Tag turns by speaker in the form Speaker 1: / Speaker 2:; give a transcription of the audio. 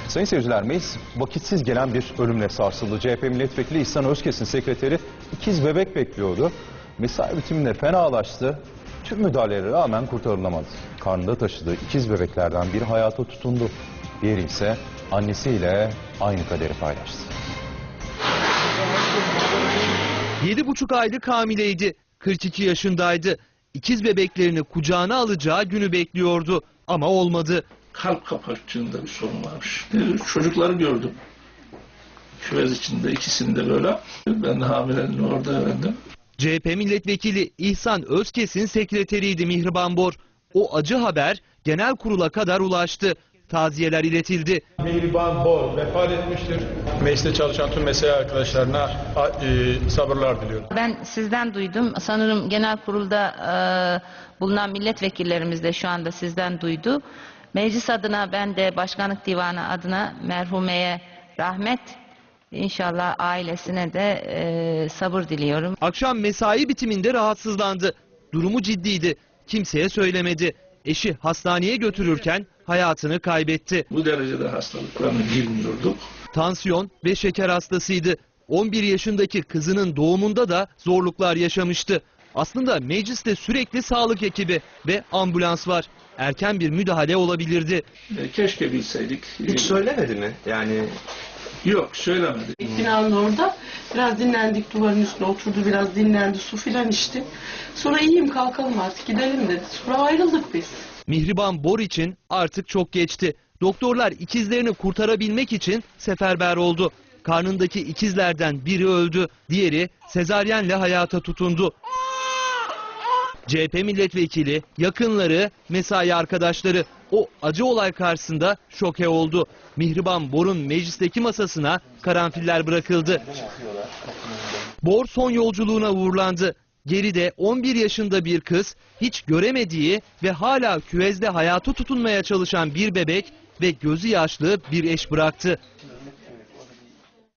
Speaker 1: Sayın seyirciler, meclis vakitsiz gelen bir ölümle sarsıldı. CHP milletvekili İhsan Özkes'in sekreteri ikiz bebek bekliyordu. Mesai bitiminde fenalaştı. Tüm müdahalelere rağmen kurtarılamadı. Karnında taşıdığı ikiz bebeklerden biri hayata tutundu. Diğeri ise annesiyle aynı kaderi paylaştı.
Speaker 2: 7,5 aylık hamileydi. 42 yaşındaydı. İkiz bebeklerini kucağına alacağı günü bekliyordu ama olmadı.
Speaker 3: Kalp kapakçığında bir sorun varmış. Çocukları gördüm. Küvez içinde, ikisinde böyle. Ben de hamileliğini orada öğrendim.
Speaker 2: CHP milletvekili İhsan Özkes'in sekreteriydi Mihriban Bor. O acı haber genel kurula kadar ulaştı. Taziyeler iletildi.
Speaker 4: Mihriban Bor vefat etmiştir. Mecliste çalışan tüm mesai arkadaşlarına sabırlar diliyorum.
Speaker 5: Ben sizden duydum. Sanırım genel kurulda bulunan milletvekillerimiz de şu anda sizden duydu. Meclis adına, ben de başkanlık divanı adına merhumeye rahmet, İnşallah ailesine de sabır diliyorum.
Speaker 2: Akşam mesai bitiminde rahatsızlandı. Durumu ciddiydi. Kimseye söylemedi. Eşi hastaneye götürürken hayatını kaybetti.
Speaker 3: Bu derecede hastalıklarını bilmiyorduk.
Speaker 2: Tansiyon ve şeker hastasıydı. 11 yaşındaki kızının doğumunda da zorluklar yaşamıştı. Aslında mecliste sürekli sağlık ekibi ve ambulans var. Erken bir müdahale olabilirdi.
Speaker 3: Keşke bilseydik.
Speaker 6: Hiç söylemedi mi? Yani
Speaker 3: yok, söylemedi.
Speaker 7: Binanın orada biraz dinlendik, duvarın üstüne oturdu, biraz dinlendi, su filan içti. Sonra iyiyim, kalkalım artık gidelim dedi. Sonra ayrıldık biz.
Speaker 2: Mihriban Bor için artık çok geçti. Doktorlar ikizlerini kurtarabilmek için seferber oldu. Karnındaki ikizlerden biri öldü, diğeri sezaryenle hayata tutundu. CHP milletvekili, yakınları, mesai arkadaşları o acı olay karşısında şoke oldu. Mihriban Bor'un meclisteki masasına karanfiller bırakıldı. Bor son yolculuğuna uğurlandı. Geride 11 yaşında bir kız, hiç göremediği ve hala küvezde hayata tutunmaya çalışan bir bebek ve gözü yaşlı bir eş bıraktı.